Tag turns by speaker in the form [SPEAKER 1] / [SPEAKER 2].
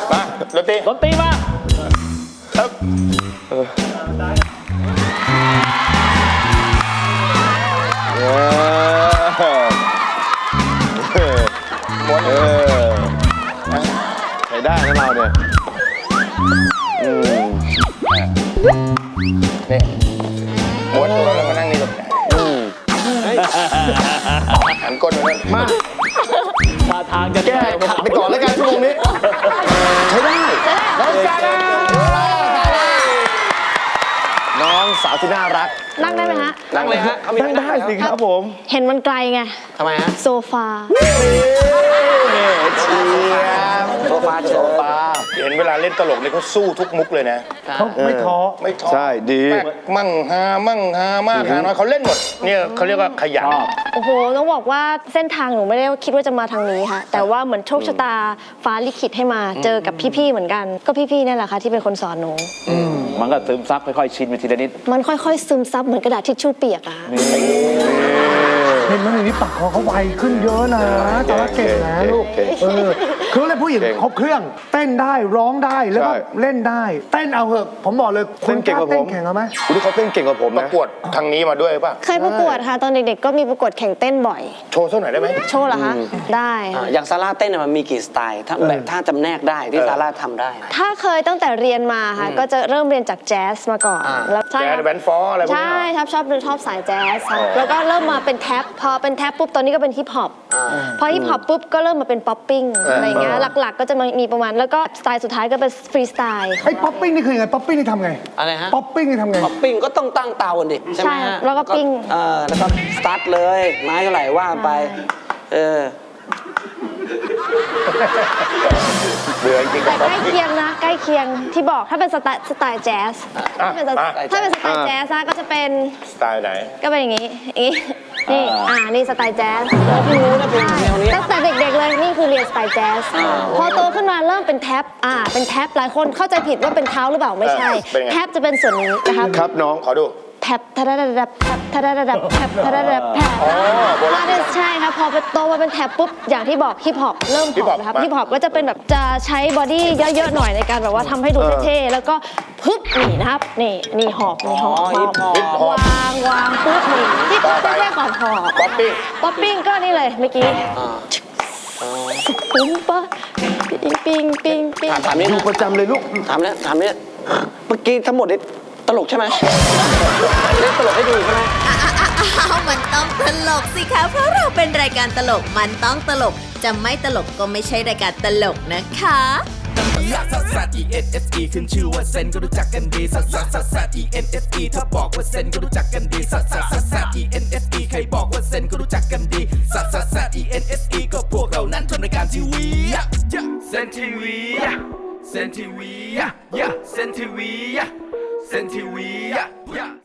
[SPEAKER 1] มาดนตรีมาครับใช้ได้นะเราเนี่ยนี่ม้วนตัวแล้วมานั่งนี่กับหันก้นมาท่าทางจะแก้ขัดไปก่อนแล้วกันชั่วโมงนี้ใช้ได้น้องซาร่าน้องสาวที่น่ารัก
[SPEAKER 2] นั่งได้ไหมฮะ
[SPEAKER 1] นั่งเลยฮะนั่งได้สิครับผม
[SPEAKER 2] เห็นมันไกลไง
[SPEAKER 1] ทำไมฮะ
[SPEAKER 2] โซฟา
[SPEAKER 1] โซฟาเห็นเวลาเล่นตลกเนี่ยเขาสู้ทุกมุกเลยนะ
[SPEAKER 3] เขาไม่ท้อ
[SPEAKER 1] ใช่ดีมั่งฮามากฮาน้อยเขาเล่นหมดเนี่ยเขาเรียกว่าขยัน
[SPEAKER 2] โอ้โหต้องบอกว่าเส้นทางหนูไม่ได้คิดว่าจะมาทางนี้ค่ะแต่ว่าเหมือนโชคชะตาฟ้าลิขิตให้มาเจอกับพี่ๆเหมือนกันก็พี่ๆนี่แหละค่ะที่เป็นคนสอนหนู
[SPEAKER 4] มันก็ซึมซับค่อยๆชินไปทีละนิด
[SPEAKER 2] มันค่อยๆซึมซับเหมือนกระดาษทิชชู่เปียกอะ
[SPEAKER 3] เห็นไหมในนี้ปากคอเขาไวขึ้นเยอะนะแต่ว่าเก่งนะลูกคืออะไรผู้หญิงครบเครื่องเต้นได้ร้องได้แล้วก็เล่นได้เต้นเอาเหอะผมบอกเลยคุณเก่งกว่าผมแข่งเอาไหม
[SPEAKER 1] คุณที่เขาเต้นเก่งกว่าผมนะประกวดทางนี้มาด้วยป่ะ
[SPEAKER 2] เคยประกวดค่ะตอนเด็กๆก็มีประกวดแข่งเต้นบ่อย
[SPEAKER 1] โชว์สักหน่อยได้ไหม
[SPEAKER 2] โชว์เหรอคะได้
[SPEAKER 5] อย่างซาร่าเต้นมันมีกี่สไตล์ถ้าแบบถ้าจำแนกได้ที่ซาร่าทำได้
[SPEAKER 2] ถ้าเคยตั้งแต่เรียนมาค่ะก็จะเริ่มเรียนจากแจ๊สมาก่อน
[SPEAKER 1] แล้วแจ๊สแบนด์ฟอร์อะไรพวกนี้
[SPEAKER 2] ใช่ชอบสายแจ๊สแล้วก็เริ่มมาเป็นแท็บพอเป็นแท็บปุ๊บตอนนี้ก็เป็นฮิปฮอปพอฮิปฮอปปุ๊บก็เริ่มมาเป็นป๊อปปิ้งอะไรเงี้ยหลักๆก็จะมีประมาณแล้วก็สไตล์สุดท้ายก็เป็นฟรีสไตล์
[SPEAKER 3] ไอ้ป๊อปปิ้งนี่คือยังไงป๊อปปิ้งนี่ทำไง
[SPEAKER 5] อะไรฮะ
[SPEAKER 3] ป๊อปปิ้งนี่ทำไง
[SPEAKER 5] ป๊อปปิ้งก็ต้องตั้งเตาดิใช่ไหมฮะ
[SPEAKER 2] แล้วก็ปิ้ง
[SPEAKER 5] แล้วก็สตาร์ทเลยไม้เท่าไหร่ว่าไป
[SPEAKER 1] เบื่อจริง
[SPEAKER 2] แต่ใกล้เคียงนะใกล้เคียงที่บอกถ้าเป็นสไตล์แจ๊สถ้าเป็นสไตล์แจ๊สก็จะเป็น
[SPEAKER 1] สไตล์ไหน
[SPEAKER 2] ก็เป็นอย่างนี้นี่นี่สไตล์แจ๊สตั้งแต่เด็กๆเลยนี่คือเรียนสไตล์แจ๊สพอโตขึ้นมาเริ่มเป็นแท็บเป็นแท็บหลายคนเข้าใจผิดว่าเป็นเท้าหรือเปล่าไม่ใช่แท็บจะเป็นส่วนนี้นะคะ
[SPEAKER 1] ครับน้องขอดู
[SPEAKER 2] แท็บทะระดับแท็บทะระดับแท็บทะระดับแท็บใช่ครับพอไปโตมาเป็นแท็บปุ๊บอย่างที่บอกฮิปฮอปเริ่มฮอปนะครับฮิปฮอปก็จะเป็นแบบจะใช้บอดี้เยอะๆหน่อยในการแบบว่าทำให้ดูเท่ๆแล้วก็พึบนี่นะครับนี่หอบวางปุ๊บนี่ที่ปุ๊บเท่ๆก่อนหอบ
[SPEAKER 1] ป๊อป
[SPEAKER 2] ปิ้งก็นี่เลยเมื่อกี้ปุ้มปะปิ้ง
[SPEAKER 5] ถามนี่
[SPEAKER 3] ดูประจำเลยลูก
[SPEAKER 5] ถามเนี่ยเมื่อกี้ทั้งหมดนี่ตลกใช่ไหมเล่นตลกให้ดูใช่ไหม
[SPEAKER 6] มันต้องตลกสิคะเพราะเราเป็นรายการตลกมันต้องตลกจะไม่ตลกก็ไม่ใช่รายการตลกนะคะ
[SPEAKER 7] ซัด ENSE ขึ้นชื่อว่าเซนก็รู้จักกันดีซัด ENSE ถ้าบอกว่าเซนก็รู้จักกันดีซัด ENSE ใครบอกว่าเซนก็รู้จักกันดีซัด ENSE ก็พวกเรานั้นทำรายการทีวีเซนทีวีเซนทีวีเซนทีวี